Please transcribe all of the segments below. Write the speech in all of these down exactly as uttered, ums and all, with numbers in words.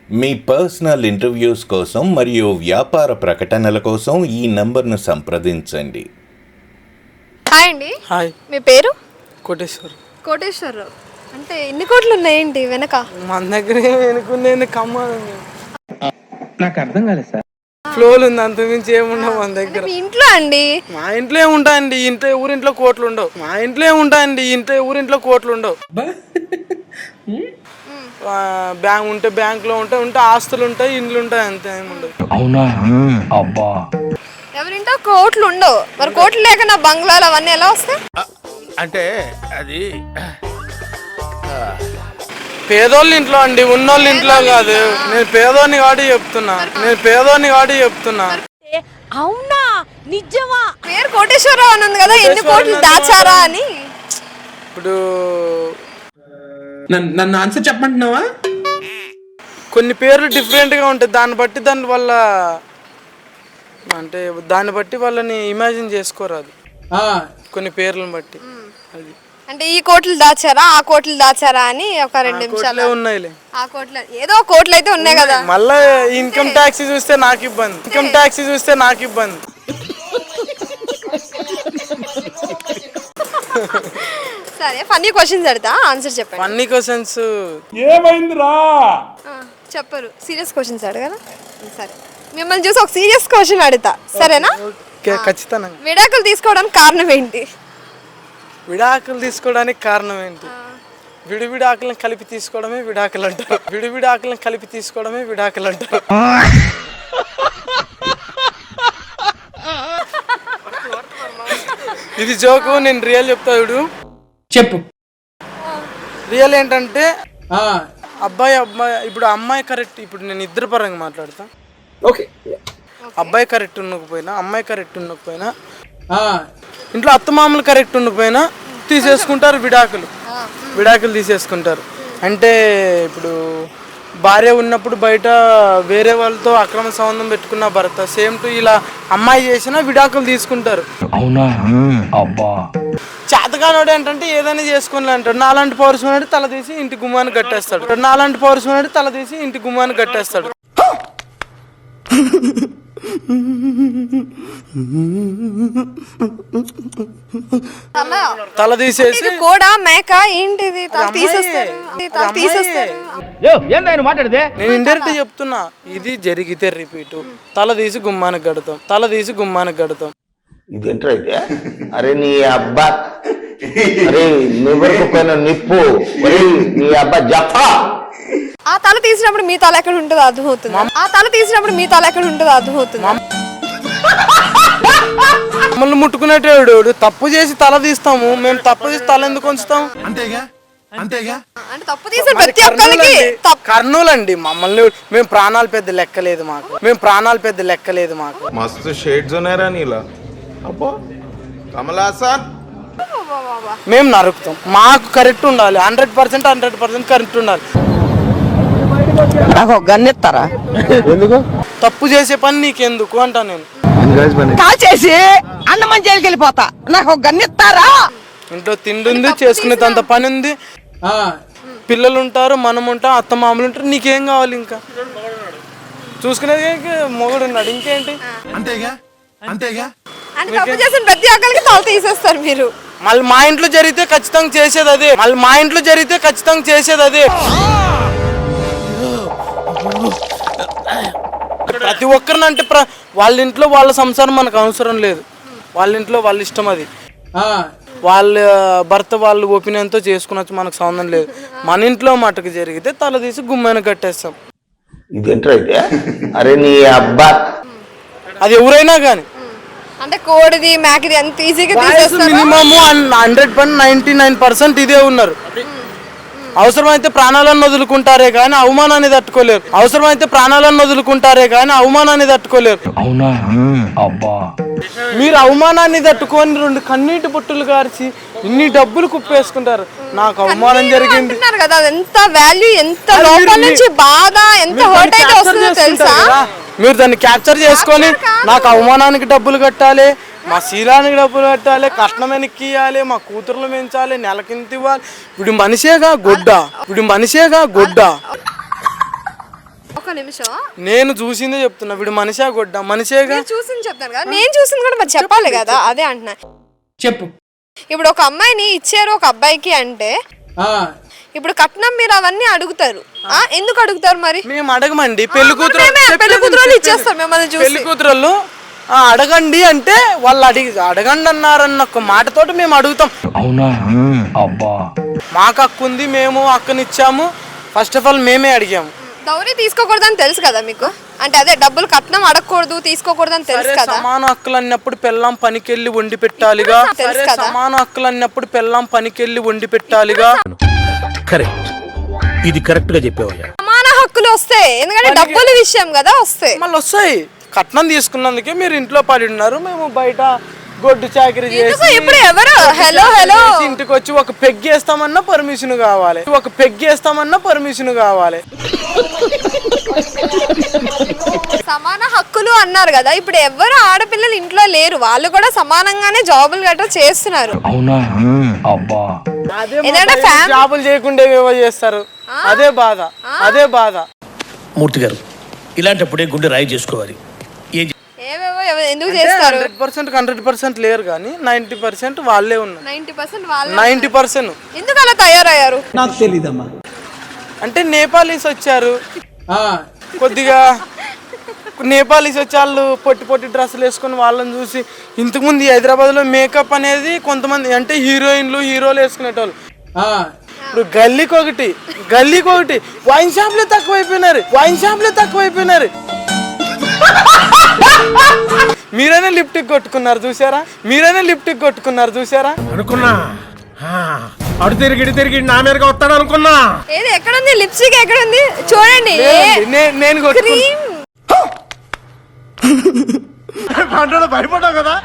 మీ personal interviews కోసం మరియు వ్యాపార ప్రకటనల కోసం ఈ నంబర్ను సంప్రదించండి. హాయ్ అండి. హాయ్. మీ పేరు? కోటేశ్వర్. కోటేశ్వరరావు. అంటే ఎన్ని కోట్లు ఉన్నాయేంటి వెనక? మన దగ్గర వెనుకుంది కమ్మాలి. నాకు అర్థం కాలేదు సార్. ఫ్లోలు ఉంది, అంత మించి ఏముండవు మన దగ్గర. మీ ఇంట్లో అండి? మా ఇంట్లో ఏముంటాయండి, ఇంట్లో ఊరింట్లో కోట్లు ఉండవు. మా ఇంట్లో ఏముంటాయండి, ఇంట్లో ఊరింట్లో కోట్లు ఉండవు. బ్యాంక్ ఉంటే బ్యాంక్ లో ఉంటాయి, ఉంటే ఆస్తులు ఉంటాయి, ఇండ్లు ఉంటాయి, అంతే ఏముండవు. అవునా? అబ్బా. ఎవరింటో కోట్లు ఉండవు. మరి కోట్లు లేక నా బంగ్లాలు అవన్నీ ఎలా వస్తాయి? అంటే అది పేదోళ్ళ ఇంట్లో అండి, ఉన్నోళ్ళ ఇంట్లో కాదు. నేను పేదోని కాడి చెప్తున్నా, నేను పేదోని కాడి చెప్తున్నా. అవునా? నిజమా? పేరు కోటేశ్వరరావు అని ఉంది కదా, ఎన్ని కోట్లు దాచారా అని. ఇప్పుడు నన్ను ఆన్సర్ చెప్పమంటున్నావా? కొన్ని పేర్లు డిఫరెంట్ గా ఉంటాయి, దాన్ని బట్టి దాని వల్ల అంటే దాన్ని బట్టి వాళ్ళని ఇమాజిన్ చేసుకోరాదు, కొన్ని పేర్లను బట్టి. అది అంటే ఈ కోట్లు దాచారా, ఆ కోట్లు దాచారా అని ఒక రెండు నిమిషాలు ఉన్నాయిలే. ఆ కోట్లు ఏదో కోట్లు అయితే ఉన్నాయి కదా. మళ్ళా ఇన్కమ్ ట్యాక్స్ చూస్తే నాకు ఇబ్బంది, ఇన్కమ్ ట్యాక్స్ చూస్తే నాకు ఇబ్బంది. సరే, ఫన్నీ క్వశ్చన్స్ అడతా, ఆన్సర్ చెప్పండి. ఫన్నీ క్వశ్చన్స్ ఏమైందిరా? చెప్పరు, సీరియస్ క్వశ్చన్స్ అడగరా? సరే, మిమ్మల్ని చూసి ఒక సీరియస్ క్వశ్చన్ అడుగుతా, సరేనా? ఖచ్చితంగా. విడాకులు తీసుకోవడానికి కారణం ఏంటి? విడాకులు తీసుకోవడానికి కారణం ఏంటి? విడివిడి ఆకులను కలిపి తీసుకోవడమే విడాకులు అంటారు. విడివిడి ఆకులను కలిపి తీసుకోవడమే విడాకులు అంటారు. ఇది జోకు, నేను రియల్ చెప్తా చూడు. చెప్పు. రియల్ ఏంటంటే అబ్బాయి అబ్బాయి ఇప్పుడు అమ్మాయి కరెక్ట్, ఇప్పుడు నేను ఇద్దరు పరంగా మాట్లాడతా. ఓకే. అబ్బాయి కరెక్ట్ ఉండకపోయినా, అమ్మాయి కరెక్ట్ ఉండకపోయినా, ఇంట్లో అత్తమామలు కరెక్ట్ ఉండకపోయినా తీసేసుకుంటారు విడాకులు. విడాకులు తీసేసుకుంటారు అంటే ఇప్పుడు భార్య ఉన్నప్పుడు బయట వేరే వాళ్ళతో అక్రమ సంబంధం పెట్టుకున్న భర్త సేమ్ టు ఇలా అమ్మాయి చేసినా విడాకులు తీసుకుంటారు. అవునా? అబ్బా. చేతగానోడు ఏంటంటే ఏదైనా చేసుకుని అంటాడు. నాలాంటి పౌరుషం తల తీసి ఇంటి గుమ్మాన్ని కట్టేస్తాడు. నాలాంటి పౌరుషం తల తీసి ఇంటి గుమ్మాన్ని కట్టేస్తాడు. తల తీసేసి కూడా మేక ఏంటిది తీసేస్తారు. నేను ఇండైరెక్ట్ చెప్తున్నా, ఇది జరిగితే రిపీట్. తల తీసి గుమ్మానికి కడతాం, తల తీసి గుమ్మానికి కడతాం. ఇదేంటో అయితే, అరే నీ అబ్బా, అరే నువ్వెరకు పైన నిప్పు, నీ అబ్బా జఫా. ఆ తల తీసినప్పుడు మీ తల ఎక్కడ ఉంటుందో అర్థమవుతుంది. ఆ తల తీసినప్పుడు మీ తల ఎక్కడ ఉంటుందో అర్థమవుతుంది. మమ్మల్ని ముట్టుకునేటోడు తప్పు చేసి తల తీస్తాము, మేము తప్పు చేసి తల ఎందుకు ఉంచుతాం? అంతేగా అంతేగా అంటే తప్పు తీసిన ప్రతి ఒక్కరికి కర్నూలు అండి. మమ్మల్ని మేము ప్రాణాలు పెద్ద లెక్కలేదు మాకు, మేము ప్రాణాలు పెద్ద లెక్కలేదు మాకు. మస్తు షేడ్స్ ఉన్నారా నీలా? అబ్బో కమలాసన్. మేము నరుకుతాం, మాకు కరెక్ట్ ఉండాలి, hundred percent hundred percent correct ఉండాలి. నాకు గన్నెత్తారా? ఎందుకు? తప్పు చేసే పని నీకెందుకు అంటా నేను. కాల్చేసి అన్నమని జైలుకి వెళ్ళిపోతా, నాకు గన్నెత్తారా? ఇంట్లో తిండి ఉంది, చేసుకునేంత పని ఉంది, పిల్లలు ఉంటారు, మనం ఉంటాం, అత్త మామూలు ఉంటారు. నీకేం కావాలి? ఇంకా చూసుకునేది మొగుడు ఉన్నాడు, ఇంకేంటి? అంతేగా అంతేగా తప్పు చేసిన ప్రతి ఒక్కరికి తల తీసేస్తారు మీరు. మళ్ళీ మా ఇంట్లో జరిగితే ఖచ్చితంగా చేసేది అదే, మళ్ళీ మా ఇంట్లో జరిగితే ఖచ్చితంగా చేసేది అదే. ప్రతి ఒక్కరిని అంటే వాళ్ళ ఇంట్లో వాళ్ళ సంసారం మనకు అవసరం లేదు, వాళ్ళ ఇంట్లో వాళ్ళ ఇష్టం అది. వాళ్ళ భర్త వాళ్ళు ఒపీనియన్తో చేసుకునొచ్చు, మనకు సంబంధం లేదు. మన ఇంట్లో మటుకు జరిగితే తల తీసి గుమ్మైన కట్టేస్తాం. ఇదేంటో అయితే, అరే నీ అబ్బా, అది ఎవరైనా కానీ. అంటే కోడిది మేకది అంత ఈజీగా తీసేస్తారు. Minimum hundred percent ninety nine percent ఇదే ఉన్నారు. అవసరమైతే ప్రాణాలను వదులుకుంటారే కానీ అవమానాన్ని తట్టుకోలేరు. అవసరమైతే ప్రాణాలను వదులుకుంటారే కానీ అవమానాన్ని తట్టుకోలేరు. అవునా? అబ్బా. మీరు అవమానాన్ని తట్టుకొని రెండు కన్నీటి బొట్టులు గార్చి ఇన్ని డబ్బులు కుప్పేసుకుంటారు. నాకు అవమానం జరిగింది కదా, ఎంత వాల్యూ, ఎంత లోపల నుంచి బాధ, ఎంత హర్ట్ అయితే వస్తుందో తెలుసా? మీరు దాన్ని క్యాప్చర్ చేసుకొని నాకు అవమానానికి డబ్బులు కట్టాలి, మా శీలానికి డబ్బులు కట్టాలి, కట్నం వెనక్కి ఇవ్వాలి, మా కూతుర్లు పెంచాలి, నెలకింత ఇవ్వాలి. ఇప్పుడు మనిషేగా గొడ్డ, ఇప్పుడు మనిషేగా గొడ్డ. ఒక ఒక్క నిమిషం. నేను చూసిందే చెప్తున్నా. వీడు మనిషా గొడ్డ? మనిషేగా. నేను చూసింది చెప్తాను కదా, నేను చూసింది కూడా మరి చెప్పాలి కదా, అదే అంటున్నా. చెప్పు. ఇప్పుడు ఒక అమ్మాయిని ఇచ్చారు ఒక అబ్బాయికి అంటే ఇప్పుడు కట్నం మీరు అవన్నీ అడుగుతారు. ఆ ఎందుకు అడుగుతారు మరి? మేము అడగమండి. పెళ్లి కూతురు పెళ్లి కూతురు ఇచ్చేస్తారు మిమ్మల్ని చూసి. పెళ్లి కూతురు అడగండి అంటే వాళ్ళు అడిగి అడగండి అన్నారన్న ఒక మాటతోటి మేము అడుగుతాం. అవునా? అబ్బా. మాకు హక్కు ఉంది, మేము హక్కునిచ్చాము. ఫస్ట్ ఆఫ్ ఆల్ మేమే అడిగాము. దౌరీ తీసుకోకూడదని తెలుసు కదా మీకు, అంటే అదే డబ్బులు కట్నం అడగకూడదు తీసుకోకూడదని తెలుసు కదా. సమాన హక్కులు అన్నప్పుడు పెళ్ళాం పనికెళ్ళి వండి పెట్టాలిగా. సరే సమాన హక్కులు అన్నప్పుడు పెళ్ళాం పనికెళ్ళి వండి పెట్టాలిగా. కరెక్ట్, ఇది కరెక్ట్ గా చెప్పావయ్యా. సమాన హక్కులు వస్తాయి, ఎందుకంటే డబ్బుల విషయం కదా వస్తాయి. మళ్ళీ వస్తాయి. కట్నం తీసుకున్నందుకే మీరు ఇంట్లో పడి ఉన్నారు, మేము బయట గొడ్డు చాకరీ చేసి ఇప్పుడు ఎవరు హలో హలో ఇంటికి వచ్చి ఒక పెగ్గేస్తామన్నా పర్మిషన్ కావాలి, ఒక పెగ్గేస్తామన్నా పర్మిషన్ కావాలి. సమాన హక్కులు అన్నారు కదా, ఇప్పుడు ఎవరు ఆడపిల్లలు ఇంట్లో లేరు, వాళ్ళు కూడా సమానంగానే జాబులు గట్రా చేస్తున్నారు. అవునా? అబ్బా. జాబులు చేయకుండా ఏవో చేస్తారు. అదే బాధ, అదే బాధ. మూర్తి గారు, ఇలాంటప్పుడే గుండె రాయి చేసుకోవాలి. ఏవేవో ఎందుకు చేస్తారు? హండ్రెడ్ పర్సెంట్ హండ్రెడ్ పర్సెంట్ లేరు కానీ నైన్టీ పర్సెంట్ వాళ్ళే ఉన్నారు. నైన్టీ పర్సెంట్ వాళ్ళు నైన్టీ పర్సెంట్ ఎందుకు అలా తయారయ్యారు? నాకు తెలీదమ్మా. అంటే నేపాలీస్ వచ్చారు, కొద్దిగా నేపాలీస్ వచ్చి వాళ్ళు పొట్టి పొట్టి డ్రెస్సులు వేసుకొని వాళ్ళని చూసి, ఇంతకుముందు హైదరాబాద్లో మేకప్ అనేది కొంతమంది అంటే హీరోయిన్లు హీరోలు వేసుకునేటోళ్ళు. ఇప్పుడు గల్లీకి ఒకటి గల్లీకి ఒకటి వైన్ షాప్లే తక్కువైపోయినారు, వైన్ షాప్లే తక్కువైపోయినారు. మీరైనా లిప్టిక్ కొట్టుకున్నారు చూసారా? మీరైనా లిప్టిక్ కొట్టుకున్నారు చూసారా? అనుకున్నా అడు తిరిగి ఇటు తిరిగి నా మీదగా వస్తాడు అనుకున్నా. ఏది ఎక్కడుంది లిప్స్టిక్? ఎక్కడుంది చూడండి. నేను క్రీమ్ భయపడ్డావు కదా.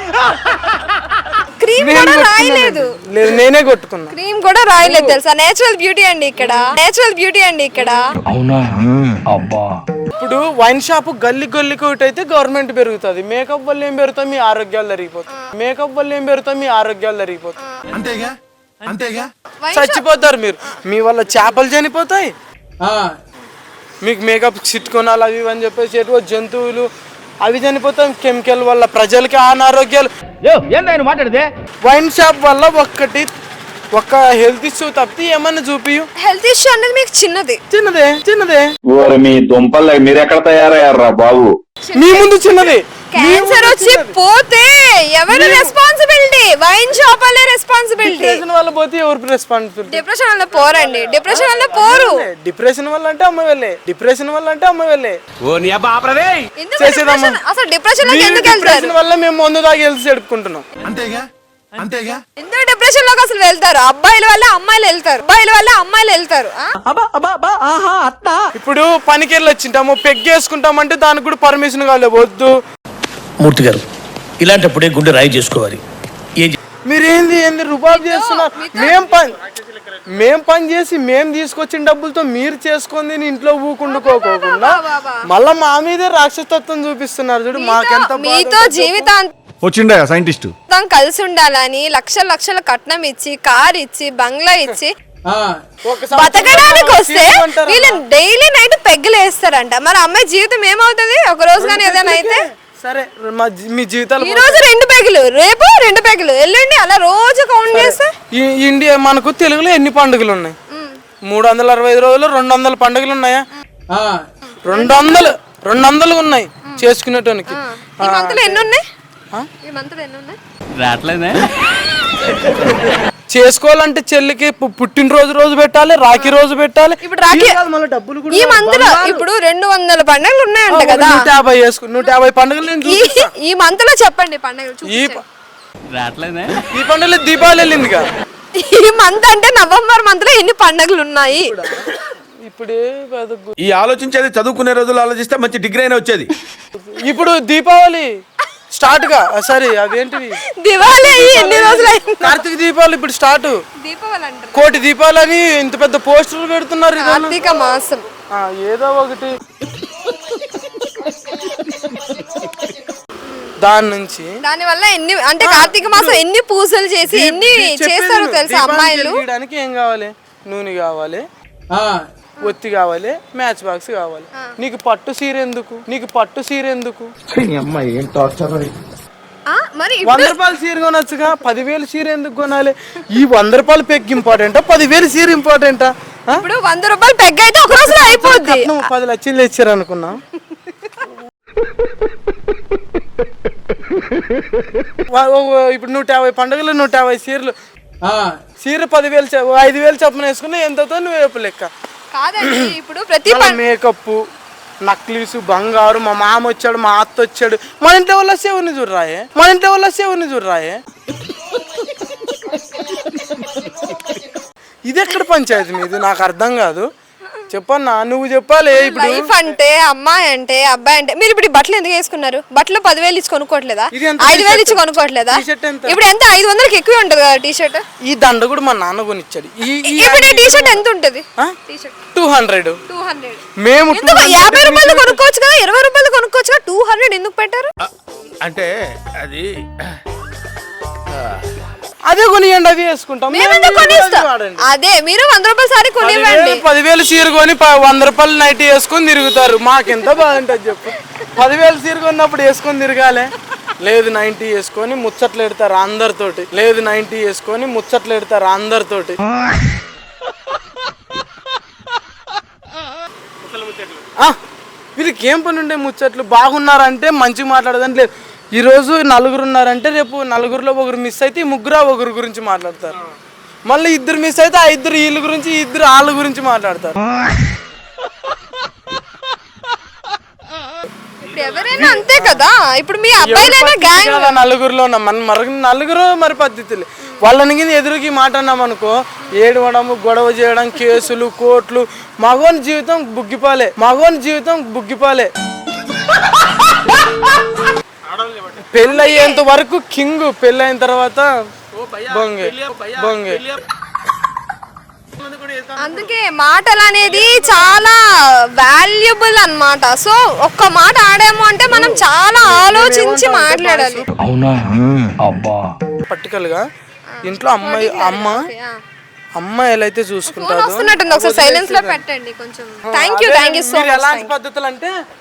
క్రీమ్ కూడా రాయలేదు. లేదు, నేనే కొట్టుకున్నా. క్రీమ్ కూడా రాయలేదు తెలుసా? నేచురల్ బ్యూటీ అండి ఇక్కడ, నేచురల్ బ్యూటీ అండి ఇక్కడ. అవునా? అబ్బా. ఇప్పుడు వైన్ షాప్ గల్లి గల్లికి ఒకటి అయితే గవర్నమెంట్ పెరుగుతుంది. మేకప్ వల్ల ఏం పెరుగుతాయి? మీ ఆరోగ్యాలు జరిగిపోతాయి. మేకప్ వల్ల ఏం పెరుగుతాయి? మీ ఆరోగ్యాలు జరిగిపోతాయి. అంతేగా అంతేగా చచ్చిపోతారు మీరు. మీ వల్ల చేపలు చనిపోతాయి. మీకు మేకప్ చిట్టుకోనాలు అవి అని చెప్పేసి ఎటువ జంతువులు అవి చనిపోతాయి. కెమికల్ వల్ల ప్రజలకి అనారోగ్యాలు. మాట్లాడితే వైన్ షాప్ వల్ల ఒక్కటి ఒక్క హెల్త్ ఇష్యూ తప్పితే ఏమన్నా చూపియు. హెల్త్ ఇష్యూ అనేది మీకు చిన్నది చిన్నదే చిన్నదే మీ దుంపలు మీరు ఎక్కడ తయారయ్యారా బాబు? మీ ముందు చిన్నది. క్యాన్సర్ వచ్చి పోతే ఎవరు రెస్పాన్సిబిలిటీ? వైన్ షాప్ వాళ్ళే రెస్పాన్సిబిలిటీ. డిప్రెషన్ వల్ల పోతే ఎవరు రెస్పాన్సిబిలిటీ? డిప్రెషన్ వల్ల పోరండి, డిప్రెషన్ వల్ల పోరు. డిప్రెషన్ వల్ల అంటే అమ్మ వెళ్ళే, డిప్రెషన్ వల్ల అంటే అమ్మ వెళ్ళే. ఎందుకు depression? అసలు డిప్రెషన్ లోకి ఎందుకు వెళ్తారు? డిప్రెషన్ వల్ల మేము మందు తాగి హెల్త్ చెడుపుకుంటున్నాం. అంతేగా అంతేగా ఎందుకు డిప్రెషన్ లోకి అసలు వెళ్తారు? అబ్బాయిల వల్ల అమ్మాయిలు వెళ్తారు, అబ్బాయిల వల్ల అమ్మాయిలు వెళ్తారు. ఇప్పుడు పనికి వెళ్ళి వచ్చింటాము, పెగ్గేసుకుంటామంటే దానికి కూడా పర్మిషన్ కావాలి. వద్దు. మూర్తి గారు, ఇలాంటప్పుడే గుండె రాయి చేసుకోవాలి. మీరేంది ఏంది రుబాబ్ చేస్తున్నారు? మేం పని మేం పని చేసి మేం తీసుకొచ్చిన డబ్బులతో మీరు చేసుకుంది ఇంట్లో ఊకుండుకోకుండా మళ్ళా మా మీదే రాక్షసత్వం చూపిస్తున్నారు. చూడు మాకెంత మీతో జీవితాంతం వచ్చిండా సైంటిస్ట్ కలిసి ఉండాలని లక్షల లక్షల కట్నం ఇచ్చి, కార్ ఇచ్చి, బంగ్లా ఇచ్చి బతకడానికి వస్తే వీళ్ళు డైలీ నైట్ పెగ్గులు వేస్తారంట. మరి అమ్మాయి జీవితం ఏమవుతుంది ఒక రోజు కానీ ఏదైనా అయితే? సరే మీ జీవితాలు ఈ రోజు రెండు పెగులు, రేపు రెండు పెగులు, ఎల్లుండి అలా రోజు కౌంట్ చేస్తే ఇండియా మనకు తెలుగులో ఎన్ని పండుగలు ఉన్నాయి? మూడు వందల అరవై ఐదు రోజులు రెండు వందల పండుగలు ఉన్నాయా? రెండు వందలు రెండు వందలు ఉన్నాయి చేసుకునేటానికి. ఈ మంత్లో ఎన్ని ఉన్నాయి? ఈ మంత్లో ఎన్ని ఉన్నాయి? రాట్లేదే. చేసుకోవాలంటే చెల్లికి పుట్టినరోజు రోజు పెట్టాలి, రాఖీ రోజు పెట్టాలి. ఇప్పుడు రాఖీ ఈ మంత్ లో ఇప్పుడు రెండు వందల పండుగలు ఉన్నాయంట కదా. నూట యాభై వేసుకు నూట యాభై పండుగలు ఈ మంత్ లో చెప్పండి పండుగలు. ఈ ఈ పండుగలో దీపావళి వెళ్ళింది కదా. ఈ మంత్ అంటే నవంబర్ మంత్ లో ఎన్ని పండుగలు ఉన్నాయి? ఇప్పుడే ఈ ఆలోచించేది చదువుకునే రోజులు ఆలోచిస్తే మంచి డిగ్రీ అయినా వచ్చేది. ఇప్పుడు దీపావళి స్టార్ట్ గా సారీ అవేంటివి దివాళీ ఎన్ని రోజులు? కార్తీక దీపావళి ఇప్పుడు స్టార్ట్. దీపావళి అంటారు, కోటి దీపావళి అని ఇంత పెద్ద పోస్టర్లు పెడుతున్నారు. కార్తీక మాసం ఏదో ఒకటి దాని నుంచి దాని వల్ల ఎన్ని అంటే కార్తీక మాసం ఎన్ని పూజలు చేసి ఎన్ని చేస్తారు తెలుసా అమ్మాయిలు? ఏం కావాలి? నూనె కావాలి, ఒత్తి కావాలి, మ్యాచ్ బాక్స్ కావాలి. నీకు పట్టు సీర ఎందుకు, నీకు పట్టు సీర ఎందుకు? ఆ, మరి వంద ఇప్పుడు రూపాయలు సీర కొనొచ్చుగా, పదివేలు సీర ఎందుకు కొనాలి? ఈ వంద రూపాయలు పెగ్ ఇంపార్టెంటా, పదివేలు సీర ఇంపార్టెంటా? ఇప్పుడు వంద రూపాయలు పెగ్ అయితే ఒక రోజులో అయిపోద్ది. నువ్వు పది లక్షలు ఇచ్చారు అనుకున్నా. ఇప్పుడు నూట యాభై పండుగలు నూట యాభై సీరలు, సీర పదివేలు చె- ఐదు వేలు చొప్పున వేసుకున్నా ఎంతతో నువ్వు వేపు లెక్క. కాదండి ఇప్పుడు ప్రతి పం- మేకప్, నక్లీసు, బంగారు, మా మామ వచ్చాడు, మా అత్త వచ్చాడు, మన ఇంట్లో వల్ల సేవని చూడరాయే, మన ఇంట్లో వల్ల సేవని చూడరాయే. ఇది ఎక్కడ పంచాయతీ మీది, నాకు అర్థం కాదు. చెప్పన్నా, నువ్వు చెప్పాలి. ఇప్పుడు లైఫ్ అంటే అమ్మాయి అంటే అబ్బాయి అంటే మీరు ఇప్పుడు ఈ బట్టలు ఎందుకు వేసుకున్నారు? బట్టలు పదివేలు ఇచ్చి కొనుక్కోవట్లేదా? ఇది ఎంత ఐదు వేలు t-shirt? ఇచ్చి కొనుక్కోవట్లేదా? t-shirt ఎంత? ఇప్పుడు ఎంత ఐదు వందలకి ఎక్కువ ఉంటది కదా టీ షర్ట్. ఈ దండ కూడా మా నాన్న కొనిచ్చాడు. ఇప్పుడు ఈ టీ షర్ట్ ఎంత ఉంటది? Two hundred two hundred. మేము ఎందుకు యాభై రూపాయలు కొనుక్కోవచ్చు కదా, ఇరవై రూపాయలు కొనుక్కోవచ్చు కదా, టూ హండ్రెడ్ ఎందుకు పెట్టారు? అంటే అది అదే కొనియండి, అవి వేసుకుంటాం. మేమెందుకు కొనిస్తాం? అదే మీరు వంద రూపాయల సారీ కొనివ్వండి. పదివేలు సీర కొని ప- వంద రూపాయలు నైట్ వేసుకొని తిరుగుతారు. మాకెంత బాగుంటుంది చెప్పు. పదివేలు సీర కొన్నప్పుడు వేసుకొని తిరగాలి. లేదు నైన్టీ వేసుకొని ముచ్చట్లు ఎడతారు అందరితోటి, లేదు నైన్టీ వేసుకొని ముచ్చట్లు ఎడతారు అందరితోటి. ఆ, వీళ్ళకి ఏం పని ఉండే ముచ్చట్లు? బాగున్నారంటే మంచిగా మాట్లాడదని లేదు. ఈ రోజు నలుగురు ఉన్నారంటే రేపు నలుగురిలో ఒకరు మిస్ అయితే ఈ ముగ్గురు ఆ ఒకరి గురించి మాట్లాడతారు. మళ్ళీ ఇద్దరు మిస్ అయితే ఆ ఇద్దరు వీళ్ళ గురించి, ఈ ఇద్దరు వాళ్ళ గురించి మాట్లాడతారు. ఇప్పుడు ఎవరైనా అంతే కదా. ఇప్పుడు మీ అబ్బాయిలైనా గ్యాంగ్ ఇలా నలుగురిలో ఉన్నాం మన మరి నలుగురు మరి పద్ధతులు. వాళ్ళని కింద ఎదురుకి మాట అన్నాం అనుకో, ఏడవడం, గొడవ చేయడం, కేసులు, కోర్టులు. మగోని జీవితం బుగ్గిపాలే, మగోని జీవితం బుగ్గిపాలే. పెళ్ళి అయ్యేంత వరకు కింగ్, పెళ్ళి అయిన తర్వాత బొంగే బొంగే. అందుకే మాటలు అనేది చాలా వాల్యుబుల్ అన్నమాట. సో ఒక్క మాట ఆడాము అంటే మనం చాలా ఆలోచించి మాట్లాడాలి. అవునా అబ్బా. పర్టికల్ గా ఇంట్లో అమ్మాయి అమ్మ అమ్మాయిలు అయితే ఫోన్ చూసుకుంటారు. వస్తున్నట్టుంది, ఒకసారి సైలెన్స్ లో పెట్టండి కొంచెం. Thank you thank you so మీరు మచ్. ఎలాంటి పద్ధతులు అంటే